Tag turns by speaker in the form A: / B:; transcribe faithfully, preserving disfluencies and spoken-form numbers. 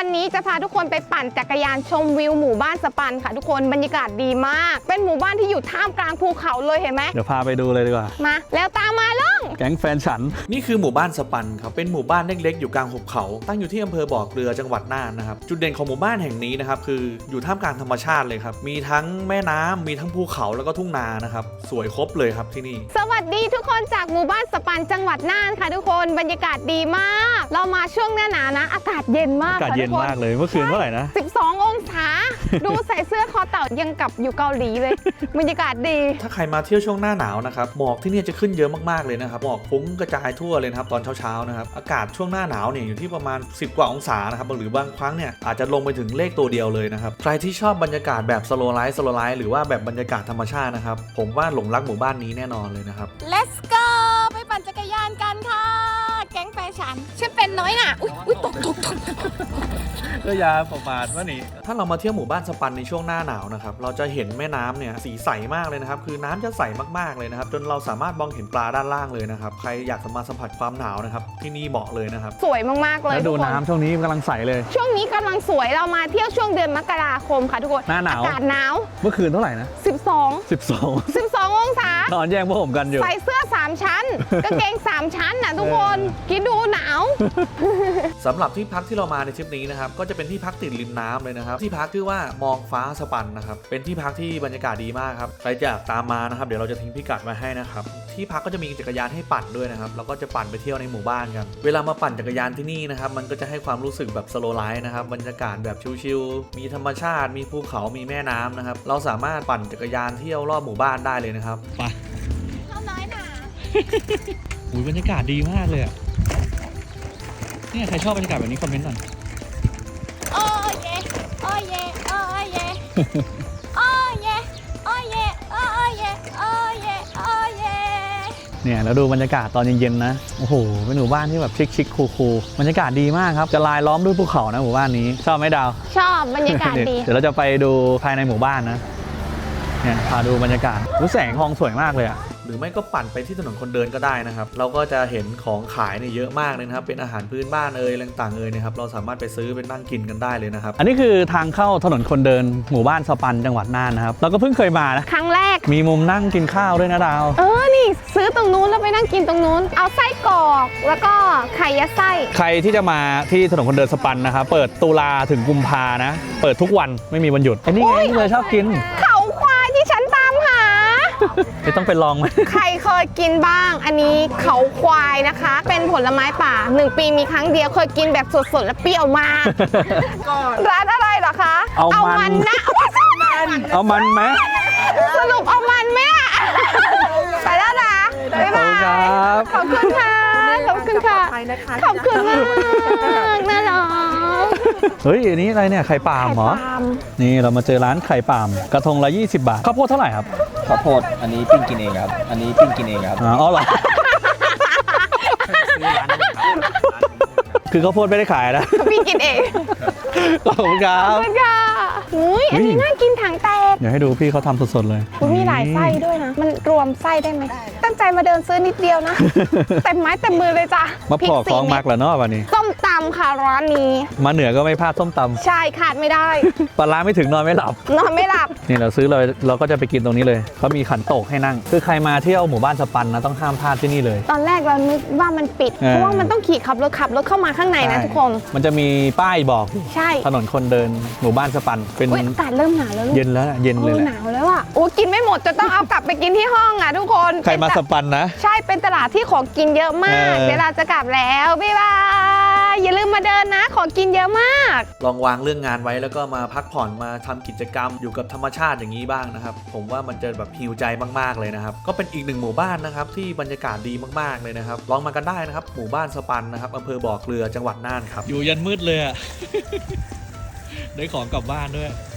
A: วันนี้จะพาทุกคนไปปั่นจักรยานชมวิวหมู่บ้านสปันค่ะทุกคนบรรยากาศดีมากเป็นหมู่บ้านที่อยู่ท่ามกลางภูเขาเลยเห็นไหม
B: เดี๋ยวพาไปดูเลยดีกว่า
A: มาแล้วตามมาลุง
B: แก๊งแฟนฉัน
C: นี่คือหมู่บ้านสปันครับเป็นหมู่บ้านเล็กๆอยู่กลางหุบเขาตั้งอยู่ที่อำเภอบ่อเกลือจังหวัดน่านนะครับจุดเด่นของหมู่บ้านแห่งนี้นะครับคืออยู่ท่ามกลางธรรมชาติเลยครับมีทั้งแม่น้ำมีทั้งภูเขาแล้วก็ทุ่งนานะครับสวยครบเลยครับที่นี่
A: สวัสดีทุกคนจากหมู่บ้านสปันจังหวัดน่านค่ะทุกคนบรรยากาศดีมากเรามาช่วงหน้าหนาวนะอากาศเย็นมาก
B: อากาศเย็นมากเลยเมื่อคืนเท่าไหร่นะ
A: สิบสององศาดูใส่เสื้อคอเต่ายังกับอยู่เกาหลีเลยบรรยากาศดี
C: ถ้าใครมาเที่ยวช่วงหน้าหนาวนะครับหมอกที่นี่จะขึ้นเยอะมากๆเลยนะครับหมอกฟุ้งกระจายทั่วเลยนะครับตอนเช้าๆนะครับอากาศช่วงหน้าหนาวเนี่ยอยู่ที่ประมาณสิบกว่าองศานะครับหรือบางครั้งเนี่ยอาจจะลงไปถึงเลขตัวเดียวเลยนะครับใครที่ชอบบรรยากาศแบบสโลว์ไลฟ์สโลว์ไลฟ์หรือว่าแบบบรรยากาศธรรมชาตินะครับผมว่าหลงรักหมู่บ้านนี้แน่นอนเลยนะครับ
A: Let's go ไปปั่นจักรยานกันค่ะแก๊งแฟชั่นฉันเป็นน้อยน่ะอุ๊ยอุ๊ยตกตกตก
B: ก็ยาประมาทว่านี่
C: ถ้าเรามาเที่ยวหมู่บ้านสปันในช่วงหน้าหนาวนะครับเราจะเห็นแม่น้ำเนี่ยสีใสมากเลยนะครับคือน้ำจะใสมากๆเลยนะครับจนเราสามารถมองเห็นปลาด้านล่างเลยนะครับใครอยากมาสัมผัสความหนาวนะครับที่นี่เหมาะเลยนะครับ
A: สวยมากๆเลย
B: แล้วดูน้ำช่วงนี้กำลังใสเลย
A: ช่วงนี้กำลังสวยเรามาเที่ยวช่วงเดือนมกราคมค่ะทุกคน
B: หน้าหนาว
A: อากาศหนาว
B: เมื่อคืนเท่าไหร่นะ
A: สิบสอง
B: สิบสอง
A: สิบสององศาน
B: อนแย่งพวกผมกันอยู่
A: ใส่เสื้อสามชั้นกางเกงสามชั้นน่ะทุกคนคิดดูหนาว
C: สำหรับที่พักที่เรามาในทริปนี้นะครับก็จะเป็นที่พักติดริมน้ำเลยนะครับที่พักชื่อว่ามองฟ้าสปันนะครับเป็นที่พักที่บรรยากาศดีมากครับใครจะตามมานะครับเดี๋ยวเราจะทิ้งพิกัดไว้ให้นะครับที่พักก็จะมีจักรยานให้ปั่นด้วยนะครับแล้วก็จะปั่นไปเที่ยวในหมู่บ้านกันเวลามาปั่นจักรยานที่นี่นะครับมันก็จะให้ความรู้สึกแบบสโลว์ไลฟ์นะครับบรรยากาศแบบชิลๆมีธรรมชาติมีภูเขามีแม่น้ำนะครับเราสามารถปั่นจักรยานเที่ยวรอบหมู่บ้านได้เลยนะครับ
B: ไป
A: เข้าน้อยหนา
B: อุ้ยบรรยากาศดีมากเลยอ่ะเนี่ยใครชอบบรรยากาศแบบนี้คอมเมนต์หน่อย
A: โอ้เย่โอ้เย่โอ้เย่โอ้เย่โอ้เย่โอ้เย่โอ้เย่โอ้เย่
B: เนี่ยแล้วดูบรรยากาศตอนเย็นๆนะโอ้โหเป็นหมู่บ้านที่แบบชิคๆคูลๆบรรยากาศดีมากครับจะลายล้อมด้วยภูเขานะหมู่บ้านนี้ชอบไหมดาว
A: ชอบบรรยากาศดี
B: เดี๋ยวเราจะไปดูภายในหมู่บ้านนะเนี่ยพาดูบรรยากาศรู้แสงทองสวยมากเลยอะ
C: หรือไม่ก็ปั่นไปที่ถนนคนเดินก็ได้นะครับเราก็จะเห็นของขายเนี่ยเยอะมากเลยนะครับเป็นอาหารพื้นบ้านเอ่ยอะไรต่างๆเอ่ยนะครับเราสามารถไปซื้อไปนั่งกินกันได้เลยนะครับ
B: อันนี้คือทางเข้าถนนคนเดินหมู่บ้านสปันจังหวัดน่านนะครับเราก็เพิ่งเคยมานะ
A: ครั้งแรก
B: มีมุมนั่งกินข้าวด้วยนะดาว
A: เออนี่ซื้อตรงนู้นแล้วไปนั่งกินตรงนู้นเอาไส้กรอกแล้วก็ไข่ยัดไส้
B: ใครที่จะมาที่ถนนคนเดินสปันนะครับเปิดตุลาถึงกุมภานะเปิดทุกวันไม่มีวันหยุดไอ้นี่ไงที่เลยชอบกิน
A: เขาควายที่ฉันตามหา
B: ไม่ต้องไปลองไหม
A: ใครเคยกินบ้างอันนี้เขาควายนะคะเป็นผลไม้ป่าหนึ่งปีมีครั้งเดียวเคยกินแบบสดๆและเปรี้ยวมากร้านอะไรเหรอคะ
B: เอามัน
A: นะ
B: เอามันไหม
A: สรุปเอามันไหมไปแล้วนะบ๊ายบายขอบคุณค่ะขอบคุณค่ะขอบคุณมากน่ารัก
B: เฮ้ยอันนี้อะไรเนี่ยไข่ปาล์มเหรอนี่เรามาเจอร้านไข่ปาล์มกระทงละยี่สิบบาทข้าวโพดเท่าไหร่ครับ
D: ข้าวโพดอันนี้ปิ้งกินเองครับอันนี้ปิ้งกินเองครับ
B: อ๋อเหรอคือข้าวโพดไม่ได้ขายนะ
A: ปิ้งกินเอง
B: ขอบคุณครับ
A: ขอบคุณค่ะอุ้ยอันนี้น่ากินถังแตก
B: เดี๋ยวให้ดูพี่เขาทำสดๆเลย
A: มีหลายไส้ด้วยนะมันรวมไส้ได้ไหมตั้งใจมาเดินซื้อนิดเดียวนะเต็มไม้เต็มมือเลยจ้ะ
B: มาพอคล้องมักแล้วเนาะวันนี้
A: ส้มตำค่ะร้านนี้
B: มาเหนือก็ไม่พลาดส้มตำ
A: ใช่ขาดไม่ได้
B: ปลาไม่ถึงนอนไม่หลับ
A: นอนไม่หลับ
B: นี่เราซื้อเลยเราก็จะไปกินตรงนี้เลยเขามีขันโตกให้นั่งคือใครมาเที่ยวหมู่บ้านสปันนะต้องห้ามพลาดที่นี่เลย
A: ตอนแรกเรานึกว่ามันปิดเพราะว่ามันต้องขี่ขับรถขับรถเข้ามาข้างในนะทุกคน
B: มันจะมีป้ายบอก
A: ใช่
B: ถนนคนเดินหมู่บ้านสปันเป็น
A: อากาศเริ่มหนาวแล้ว
B: เย็นแล้วเย็นเลย
A: หนาวแล้วอ่ะโอ้กินไม่หมดจะต้องเอากลับไปกินที่ห้องอ่ะทุกคน
B: ใครมาสปันนะ
A: ใช่เป็นตลาดที่ของกินเยอะมากเวลาจะกลับแล้วบ๊ายบายอย่าลืมมาเดินนะของกินเยอะมาก
C: ลองวางเรื่องงานไว้แล้วก็มาพักผ่อนมาทำกิจกรรมอยู่กับธรรมชาติอย่างนี้บ้างนะครับผมว่ามันจะแบบฮีลใจมากๆเลยนะครับก็เป็นอีกหนึ่งหมู่บ้านนะครับที่บรรยากาศดีมากๆเลยนะครับลองมากันได้นะครับหมู่บ้านสปันนะครับอำเภอบ่อเกลือจังหวัดน่านครับ
B: อยู่ยันมืดเลยอะได้ของกลับบ้านด้วย